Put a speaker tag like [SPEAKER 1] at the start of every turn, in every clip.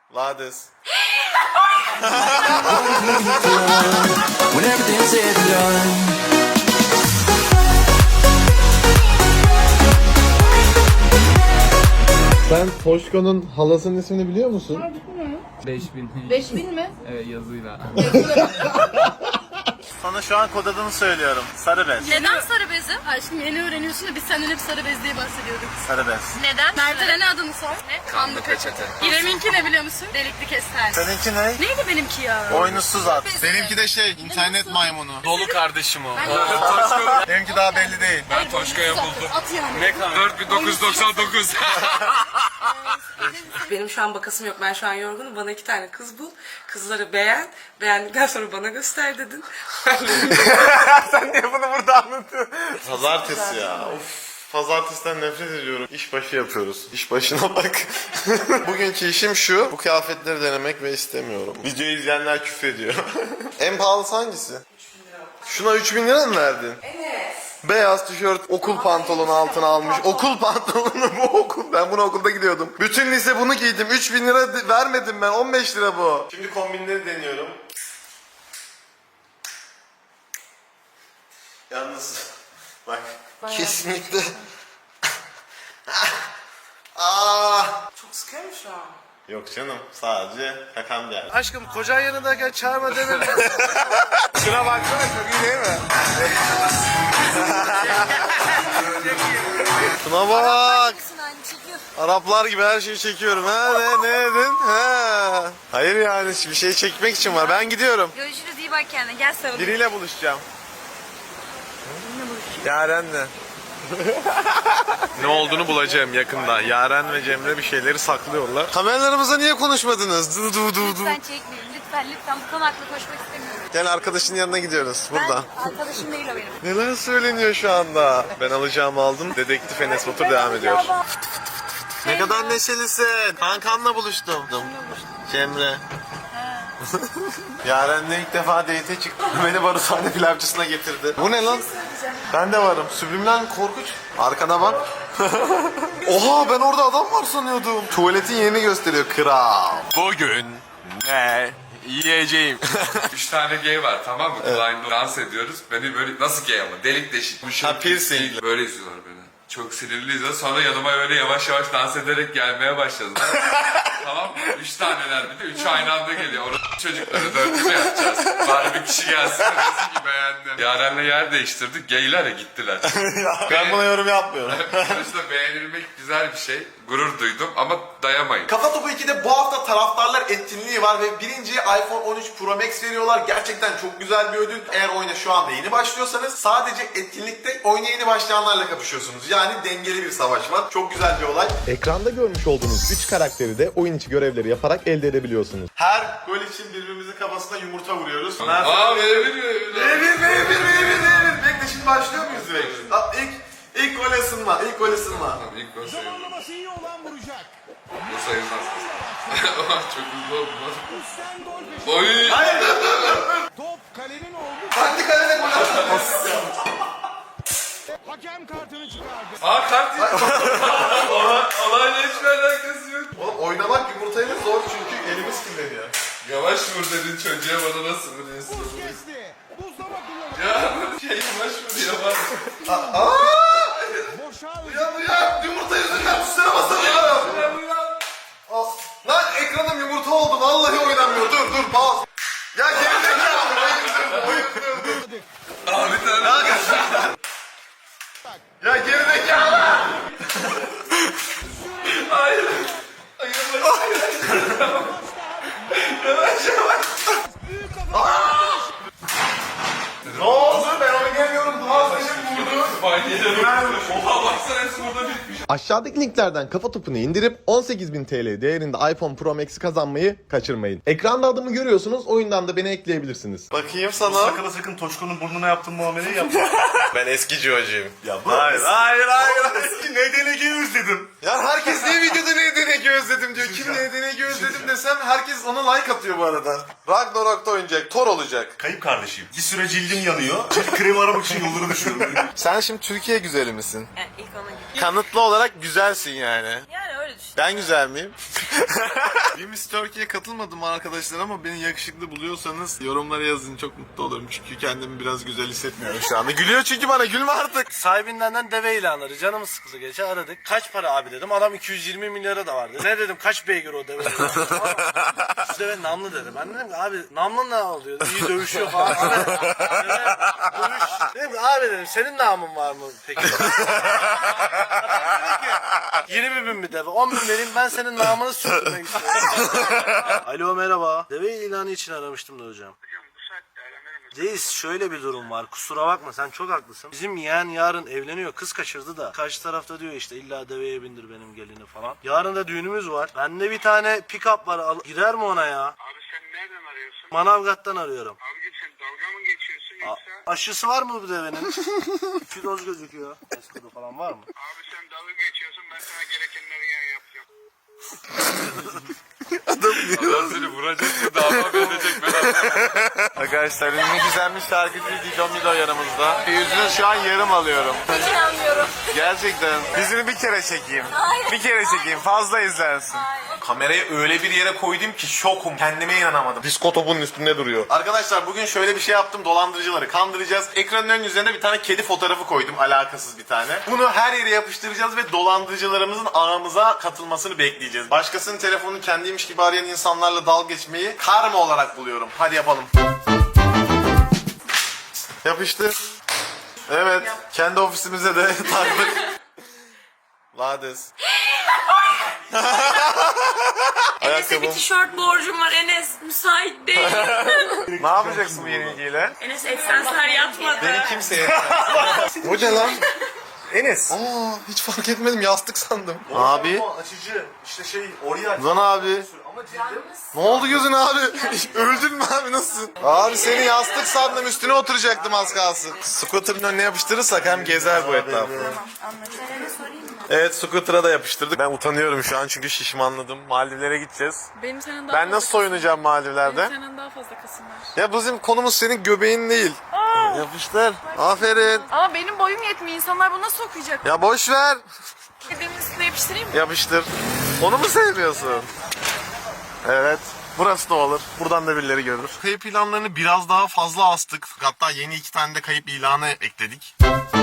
[SPEAKER 1] Lades.
[SPEAKER 2] When everything's said and done.
[SPEAKER 1] Sen Toşko'nun halasının ismini biliyor musun?
[SPEAKER 3] 5000.
[SPEAKER 4] 5000 mi?
[SPEAKER 3] Evet, yazıyla.
[SPEAKER 1] Sana şu an kod adını söylüyorum. Sarı bez.
[SPEAKER 4] Neden sarı bezim? Ay şimdi yeni öğreniyorsun da biz senden hep sarı bez diye bahsediyorduk.
[SPEAKER 1] Sarı bez.
[SPEAKER 4] Neden? Mert'e ne adını sor? Ne? Kanlı peçete. İrem'inki ne biliyor musun? Delikli kestane.
[SPEAKER 1] Seninki ne?
[SPEAKER 4] Neydi benimki ya?
[SPEAKER 1] Boynuzsuz at. Benimki de internet maymunu.
[SPEAKER 3] Dolu kardeşim o.
[SPEAKER 1] Benimki daha belli değil.
[SPEAKER 3] Ben Toşko'ya buldum.
[SPEAKER 4] At yani.
[SPEAKER 3] Ne kadar? 4999.
[SPEAKER 5] Benim şu an bakasım yok. Ben şu an yorgunum. Bana 2 tane kız bul. Kızları beğen. Beğendikten sonra bana göster dedin.
[SPEAKER 1] Sen niye bunu burada anlatıyorsun? Pazartesi ya. Of. Pazartesiden nefret ediyorum. İşbaşı yapıyoruz. İş başına bak. Bugünkü işim şu. Bu kıyafetleri denemek ve istemiyorum. Videoyu izleyenler küfrediyor. En pahalısı hangisi? Şuna 3000 lira mı verdin?
[SPEAKER 5] Evet.
[SPEAKER 1] Beyaz tişört, okul pantolonu altına almış. Okul pantolonu bu okul. Ben bunu okulda gidiyordum. Bütün lise bunu giydim. 3000 lira vermedim ben. 15 lira bu. Şimdi kombinleri deniyorum. Yalnız bak kesinlikle
[SPEAKER 5] Çok sıkıyor mu şu an?
[SPEAKER 1] yok canım, sadece kakam geldi.
[SPEAKER 6] Aşkım kocan yanındayken çağırma demedim. Şuna baksana, çok iyi değil mi?
[SPEAKER 1] Şuna bak. Araplar gibi her şeyi çekiyorum. Ha ne dedin? Ha. Hayır yani bir şey çekmek için var. Ben gidiyorum.
[SPEAKER 4] Görüşürüz, iyi bak kendine. Gel sarılayım.
[SPEAKER 1] Biriyle buluşacağım. Yaren'le. Ne olduğunu bulacağım yakında. Yaren ve Cemre bir şeyleri saklıyorlar. Kameralarımıza niye konuşmadınız? Du du du du.
[SPEAKER 4] Lütfen çekmeyin. Lütfen bu konu hakkında konuşmak istemiyorum.
[SPEAKER 1] Gel arkadaşın yanına gidiyoruz burada.
[SPEAKER 4] Arkadaşım değil o benim.
[SPEAKER 1] Neler söyleniyor şu anda? Ben alacağımı aldım. Dedektif Enes Batur devam ediyor. Ne kadar neşelisin. Kankanla buluştum. Cemre. Yaren'le ilk defa date çıktım. Beni barutane pilavcısına getirdi. Bu ne lan? Ben de varım. Süblimden korkunç. Arkana bak. Oha, ben orada adam var sanıyordum. Tuvaletin yerini gösteriyor. Kral. Bugün ne yiyeceğim?
[SPEAKER 7] 3 tane gay var, tamam mı? Klein'de dans ediyoruz. Beni böyle nasıl gay ama delik deşik. Bu
[SPEAKER 1] Ha, piercing.
[SPEAKER 7] Böyle izliyorlar beni. Çok sinirli izliyor. Sonra yanıma öyle yavaş yavaş dans ederek gelmeye başladılar. Tamam mı? 3 taneler, bir de 3 aynı anda geliyor. Orada çocukları dörtlü mü yapacağız? Bari bir kişi gelsin de desin ki beğendim. Yaren'le yer değiştirdik. Gayler ya gittiler.
[SPEAKER 1] Ben buna yorum yapmıyorum.
[SPEAKER 7] Sonuçta beğenilmek güzel bir şey. Gurur duydum ama dayamayın.
[SPEAKER 1] Kafa Topu 2'de bu hafta taraftarlar etkinliği var ve birinciye iPhone 13 Pro Max veriyorlar. Gerçekten çok güzel bir ödül. Eğer oyuna şu anda yeni başlıyorsanız sadece etkinlikte oyuna yeni başlayanlarla kapışıyorsunuz. Yani dengeli bir savaş var. Çok güzel bir olay.
[SPEAKER 8] Ekranda görmüş olduğunuz 3 karakteri de oyun içi görevleri yaparak elde edebiliyorsunuz.
[SPEAKER 1] Her gol için birbirimizin kafasına yumurta vuruyoruz.
[SPEAKER 7] Aa verebiliyor.
[SPEAKER 1] V1. Bekle, şimdi başlıyor muyuz direkt? İlk gol ısınma. İlk gol ısınma.
[SPEAKER 7] İlk gol sayılmaz.
[SPEAKER 6] Zamanlaması iyi olan vuracak.
[SPEAKER 7] Bu sayılmaz. Çok hızlı oldu lan.
[SPEAKER 6] Üstten gol peşi.
[SPEAKER 7] Oy!
[SPEAKER 1] Hayır.
[SPEAKER 6] Top kalenin oldu.
[SPEAKER 1] Kendi kalene gol attın.
[SPEAKER 6] Hakem kartını çıkardı.
[SPEAKER 7] Aa kart yok. Olayla hiçbir alakası yok.
[SPEAKER 1] Oğlum oynamak yumurtayla zor çünkü elimiz kirleniyor.
[SPEAKER 7] Yavaş vur dedin çocuğa, bana nasıl vuruyorsun?
[SPEAKER 6] Buz kesti. Buzdama kullanıyor.
[SPEAKER 7] Ya şey yavaş vur yavaş.
[SPEAKER 6] Boşa
[SPEAKER 1] Ya yumurta yüzünden üstüne basamıyorum. Lan ekranım yumurta oldu. Vallahi oynamıyor. Dur bas. Ya gerizekalı. Bayıldım.
[SPEAKER 7] Aa bir tane.
[SPEAKER 1] Ya gerizekalı.
[SPEAKER 7] Hayır.
[SPEAKER 1] Ne oldu? Ben oynayamıyorum. Boğaz benim vurdu.
[SPEAKER 7] Oha baksana hepsi burada bitmiş.
[SPEAKER 8] Aşağıdaki linklerden Kafa Topu'nu indirip 18.000 TL değerinde iPhone Pro Max'i kazanmayı kaçırmayın. Ekranda adımı görüyorsunuz, oyundan da beni ekleyebilirsiniz.
[SPEAKER 1] Bakayım sana.
[SPEAKER 6] sakın Toşko'nun burnuna yaptığın muameleyi yapma.
[SPEAKER 1] Ben eskici hocayım.
[SPEAKER 6] Ya
[SPEAKER 1] Hayır.
[SPEAKER 6] Eski NDNG'yi özledim.
[SPEAKER 1] Ya herkes niye videoda NDNG özledim diyor. Kim NDNG özledim desem herkes ona like atıyor bu arada. Ragnarok'ta oynayacak. Thor olacak.
[SPEAKER 6] Kayıp kardeşim. Bir süre cildin yanıyor. Cilt kremi aramak için yolları düşünüyorum.
[SPEAKER 1] Sen şimdi Türkiye güzeli misin?
[SPEAKER 5] Yani ilk ona gidiyor.
[SPEAKER 1] Kanıtlı olarak güzelsin yani.
[SPEAKER 5] Yani
[SPEAKER 4] Öyle düşün.
[SPEAKER 1] Ben güzel miyim? Bir Miss Turkey'ye katılmadım arkadaşlar ama beni yakışıklı buluyorsanız yorumlara yazın, çok mutlu olurum. Çünkü kendimi biraz güzel hissetmiyorum şu anda. Gülüyor çünkü bana, gülme artık.
[SPEAKER 6] Sahibinden deve ilanları. Canımız sıkıldı gece aradık. Kaç para abi dedim. Adam 220 milyara da vardı. Ne dedim, kaç beygir o deve? Şu deve namlı dedi. Ben dedim ki abi namlı ne oluyor? İyi dövüşüyor falan. Abi, deve dövüş. Dedim ki abi dedim senin namın var mı peki? Adam dedi ki 20 bin bir deve. 10 bin vereyim, ben senin namını sürdürmek istiyorum. Alo merhaba. Deve ilanı için aramıştım da hocam. Reis şöyle bir durum var, kusura bakma, sen çok haklısın. Bizim yeğen yarın evleniyor, kız kaçırdı da karşı tarafta diyor işte illa deveye bindir benim gelini falan. Yarın da düğünümüz var. Bende bir tane pick-up var, gider mi ona ya?
[SPEAKER 9] Abi sen nereden arıyorsun?
[SPEAKER 6] Manavgat'tan arıyorum.
[SPEAKER 9] Abicim sen dalga mı geçiyorsun yoksa?
[SPEAKER 6] Aşısı var mı bu devenin? 2 doz gözüküyor. Eskodu falan var mı?
[SPEAKER 9] Abi sen dalga geçiyorsun, ben sana gerekenleri yapacağım.
[SPEAKER 7] Adam seni vuracak mı dava verecek ben anlamadım.
[SPEAKER 1] Arkadaşlar ünlü gizemli şarkıcı Dido Mido yanımızda. Yüzünü şu an yarım alıyorum.
[SPEAKER 4] Hiç inanmıyorum.
[SPEAKER 1] Gerçekten. Yüzünü bir kere çekeyim.
[SPEAKER 4] Hayır.
[SPEAKER 1] Bir kere çekeyim, fazla izlersin. Kamerayı öyle bir yere koydum ki şokum. Kendime inanamadım. Disko topunun üstünde duruyor. Arkadaşlar bugün şöyle bir şey yaptım. Dolandırıcıları kandıracağız. Ekranın ön yüzlerine bir tane kedi fotoğrafı koydum. Alakasız bir tane. Bunu her yere yapıştıracağız ve dolandırıcılarımızın ağımıza katılmasını bekleyeceğiz. Başkasının telefonunu kendiymiş gibi arayan insanlarla dalga geçmeyi karma olarak buluyorum. Hadi yapalım. Yapıştır. Evet. Kendi ofisimize de taktık. Lades.
[SPEAKER 4] Enes'e bir tişört borcum var. Enes müsait değil.
[SPEAKER 1] Ne yapacaksın bu yeni ilgiyle?
[SPEAKER 4] Enes eksenser yatmadı.
[SPEAKER 1] Beni kimseye... Bu ne lan? Enes. Aa, hiç fark etmedim, yastık sandım. Abi.
[SPEAKER 6] Açıcı. İşte şey oraya.
[SPEAKER 1] Lan abi. Ne oldu gözün abi? Öldün mü abi, nasılsın? Abi seni yastık sandım, üstüne oturacaktım az kalsın. Scooter'ın önüne yapıştırırsak hem gezer bu etrafı. Evet, scooter'a da yapıştırdık. Ben utanıyorum şu an çünkü şişmanladım. Maldivlere gideceğiz.
[SPEAKER 4] Benim senden daha
[SPEAKER 1] Ben nasıl soyunacağım Maldivler'de?
[SPEAKER 4] Benim senden daha fazla kasım var.
[SPEAKER 1] Ya bizim konumuz senin göbeğin değil. Yapıştır. Aferin.
[SPEAKER 4] Ama benim boyum yetmiyor. İnsanlar bunu nasıl okuyacak?
[SPEAKER 1] Ya boş ver.
[SPEAKER 4] Dedemin üstüne yapıştırayım mı?
[SPEAKER 1] Yapıştır. Onu mu sevmiyorsun? Evet. Burası da olur. Buradan da birileri görür. Kayıp ilanlarını biraz daha fazla astık. Hatta yeni 2 tane de kayıp ilanı ekledik.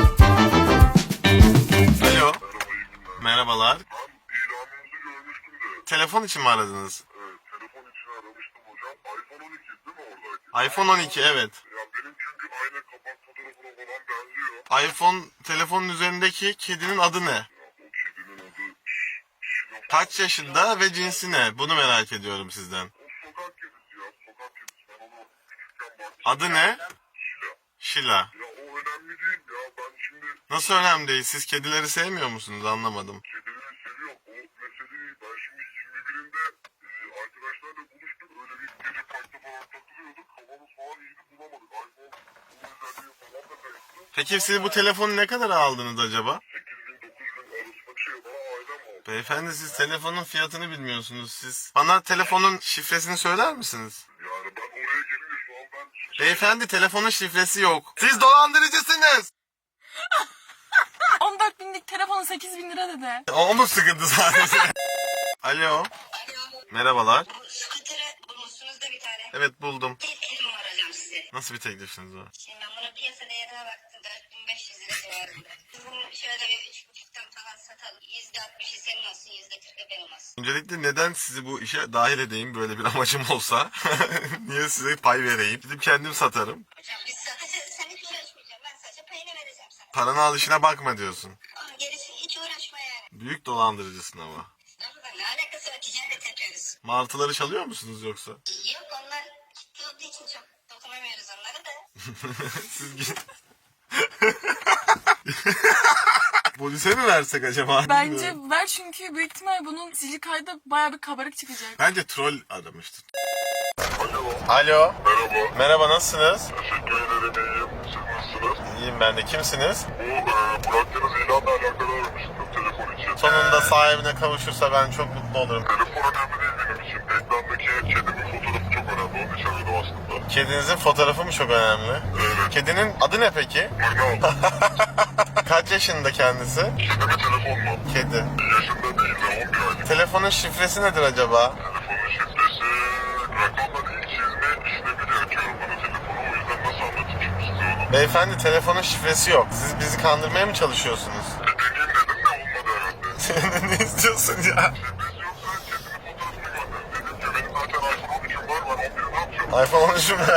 [SPEAKER 1] Alo.
[SPEAKER 9] Ben
[SPEAKER 1] Merhabalar.
[SPEAKER 9] ilanınızı görmüştüm de.
[SPEAKER 1] Telefon için mi aradınız?
[SPEAKER 9] Evet, telefon için aramıştım hocam. iPhone 12 değil mi oradaki?
[SPEAKER 1] iPhone 12, evet.
[SPEAKER 9] Ya benim çünkü aynı kapak fotoğrafına falan benziyor.
[SPEAKER 1] iPhone telefonun üzerindeki kedinin adı ne?
[SPEAKER 9] Ya o kedinin adı Şilo.
[SPEAKER 1] Kaç yaşında ve cinsi ne? Bunu merak ediyorum sizden.
[SPEAKER 9] O sokak kedisi ya, sokak kedisi. Ben onu küçükken baktım.
[SPEAKER 1] Adı ne?
[SPEAKER 9] Şila.
[SPEAKER 1] Şila.
[SPEAKER 9] Ya o önemli değil ya. Ben şimdi
[SPEAKER 1] Nasıl önemli değil? Siz kedileri sevmiyor musunuz? Anlamadım.
[SPEAKER 9] kedileri seviyorum. O mesele değil. Ben şimdi 21'inde arkadaşlarla buluştuk. Öyle bir gece parkta falan takılıyorduk. Havamız falan iyiydi, bulamadık. iPhone bu özelliği falan da kayıtlı.
[SPEAKER 1] Peki siz bu telefonu ne kadar aldınız acaba?
[SPEAKER 9] 8.000 9.000 arasında bir şey bana ailem aldı.
[SPEAKER 1] Beyefendi, siz telefonun fiyatını bilmiyorsunuz. Siz bana telefonun şifresini söyler misiniz?
[SPEAKER 9] Yani ben oraya gelince şu an ben...
[SPEAKER 1] Beyefendi, telefonun şifresi yok. Siz dolandırıcısınız.
[SPEAKER 4] 14 binlik telefonu 8 bin lira dedi.
[SPEAKER 1] O mu sıkıntı sadece? Alo. Merhabalar.
[SPEAKER 10] Scooter'ı bulmuşsunuz da bir tane.
[SPEAKER 1] Evet, buldum.
[SPEAKER 10] Teklifim var hocam size.
[SPEAKER 1] Nasıl bir teklifiniz var?
[SPEAKER 10] Şimdi ben bunun piyasa değerine baktım. 4500 lira civarında. Bunu şöyle bir 3,5'tan falan satalım. %60'ı senin olsun, %40'ı benim olsun.
[SPEAKER 1] Öncelikle neden sizi bu işe dahil edeyim, böyle bir amacım olsa? Niye size pay vereyim? Gidip kendim satarım.
[SPEAKER 10] Hocam biz satacağız. Sen hiç uğraşmayacaksın. Ben sadece payını vereceğim sana.
[SPEAKER 1] Paranı alışına bakma diyorsun.
[SPEAKER 10] Ama gerisi hiç uğraşma yani.
[SPEAKER 1] Büyük dolandırıcısın ama.
[SPEAKER 10] Estağfurullah, ne alakası var? Ticaret yapıyoruz.
[SPEAKER 1] Martıları çalıyor musunuz yoksa?
[SPEAKER 10] Yok, onlar ciddi olduğu için çok dokunamıyoruz onları da.
[SPEAKER 1] Siz git. Polise mi versek acaba?
[SPEAKER 4] Bence
[SPEAKER 1] Bilmiyorum.
[SPEAKER 4] ver, çünkü büyük ihtimal bunun sicil kaydı bayağı bir kabarık çıkacak.
[SPEAKER 1] Bence troll aramıştır. Alo.
[SPEAKER 9] Merhaba.
[SPEAKER 1] Merhaba, nasılsınız?
[SPEAKER 9] Teşekkür ederim. İyiyim. Siz nasılsınız?
[SPEAKER 1] İyiyim ben de. Kimsiniz?
[SPEAKER 9] Bu bıraktığınız ilanla alakalı aramıştım telefon için.
[SPEAKER 1] Sonunda sahibine kavuşursa ben çok mutlu olurum.
[SPEAKER 9] Telefon önemli değil benim için. Ekrandaki kedimin fotoğrafı çok önemli. Onun için aradım aslında.
[SPEAKER 1] Kedinizin fotoğrafı mı çok önemli?
[SPEAKER 9] Evet.
[SPEAKER 1] Kedinin adı ne peki?
[SPEAKER 9] Mangal.
[SPEAKER 1] Kaç yaşında kendisi?
[SPEAKER 9] Kedi mi telefon mu?
[SPEAKER 1] Kedi.
[SPEAKER 9] Yaşında değil de 11 aylık.
[SPEAKER 1] Telefonun şifresi nedir acaba?
[SPEAKER 9] Telefonun şifresi rakamla ilk çizme işlemi gerekiyorum bana telefonu. O yüzden nasıl anlatayım şimdi size onu?
[SPEAKER 1] Beyefendi telefonun şifresi yok. Siz bizi kandırmaya mı çalışıyorsunuz?
[SPEAKER 9] Deneyim dedim de olmadı herhalde.
[SPEAKER 1] Ne istiyorsun ya?
[SPEAKER 9] Şifresi yoksa kedinin fotoğrafını gönder. Dedim ki benim zaten iPhone 13'üm var. Ben 11'i ne yapacağım?
[SPEAKER 1] iPhone 13'ü mü?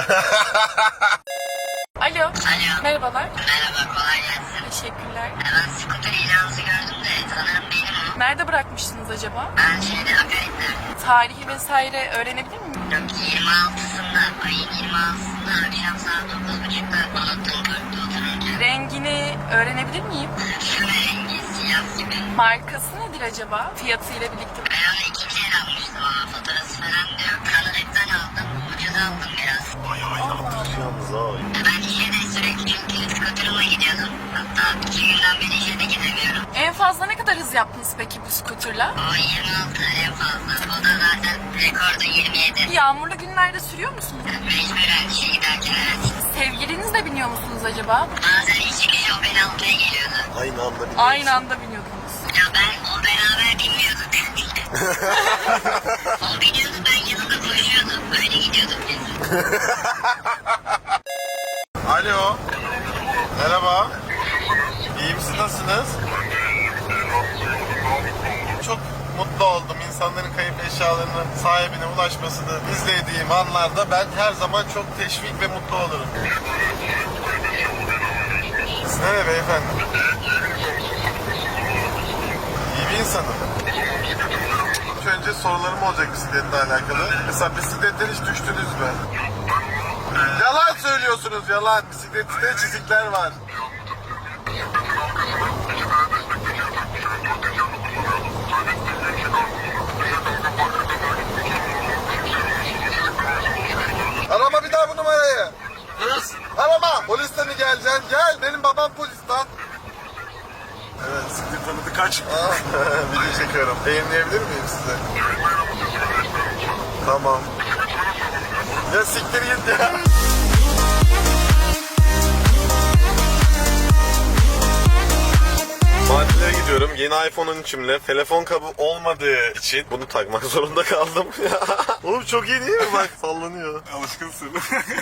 [SPEAKER 4] Alo.
[SPEAKER 10] Alo.
[SPEAKER 4] Merhabalar.
[SPEAKER 10] Merhaba, kolay gelsin.
[SPEAKER 4] Teşekkürler.
[SPEAKER 10] Ben scooter ilanınızı gördüm de sanırım benim o.
[SPEAKER 4] Nerede bırakmıştınız acaba?
[SPEAKER 10] Ben Akarit'te.
[SPEAKER 4] Tarihi vesaire öğrenebilir miyim?
[SPEAKER 10] Yok, 26'sında, ayın 26'sında akşam saat 9.30'da unuttum parkta otururken.
[SPEAKER 4] Rengini öğrenebilir miyim?
[SPEAKER 10] Şöyle rengi siyah gibi.
[SPEAKER 4] Markası nedir acaba? Fiyatıyla birlikte.
[SPEAKER 10] Ben onu ikinci el almıştım ama fotoğrafı falan da yok. Kanalet'ten aldım, ucuz aldım biraz.
[SPEAKER 1] Yalnız ha.
[SPEAKER 10] Ben işe de sürekli çünkü scooter'ıma gidiyordum. Hatta 2 günden beri işe de gidemiyorum.
[SPEAKER 4] En fazla ne kadar hız yaptınız peki bu skuterla?
[SPEAKER 10] O 26 en fazla. O da zaten rekordu 27.
[SPEAKER 4] Yağmurlu günlerde sürüyor musunuz?
[SPEAKER 10] Mecburen işe giderken evet.
[SPEAKER 4] Sevgilinizle biniyor musunuz acaba?
[SPEAKER 10] Bazen iş çıkışı o beni almaya geliyordu.
[SPEAKER 1] Aynı anda bir
[SPEAKER 4] Aynı anda biniyordunuz.
[SPEAKER 10] Ya ben o beraber binmiyorduk. O biniyordu, ben yanında koşuyordum. Böyle gidiyorduk biz.
[SPEAKER 1] Alo. Merhaba. İyi misiniz? Nasılsınız? Çok mutlu oldum. İnsanların kayıp eşyalarının sahibine ulaşmasını izlediğim anlarda ben her zaman çok teşvik ve mutlu olurum. Siz nereye beyefendi? İyi bir insanım. İlk önce sorularım olacak bisikletle alakalı. Mesela bisikletten hiç düştünüz mü? Yalan söylüyorsunuz, yalan. Bisiklette çizikler var. Arama bir daha bu numarayı. Arama. Polisle mi geleceksin? Gel. Benim babam polis lan.
[SPEAKER 6] Evet, siktir tanıdı kaç.
[SPEAKER 1] Video çekiyorum. Yayınlayabilir miyim size? Tamam. Ya siktir git ya. Tatile gidiyorum. Yeni iPhone 13'ümle telefon kabı olmadığı için bunu takmak zorunda kaldım. Oğlum çok iyi değil mi? Bak sallanıyor.
[SPEAKER 3] Alışkınsın.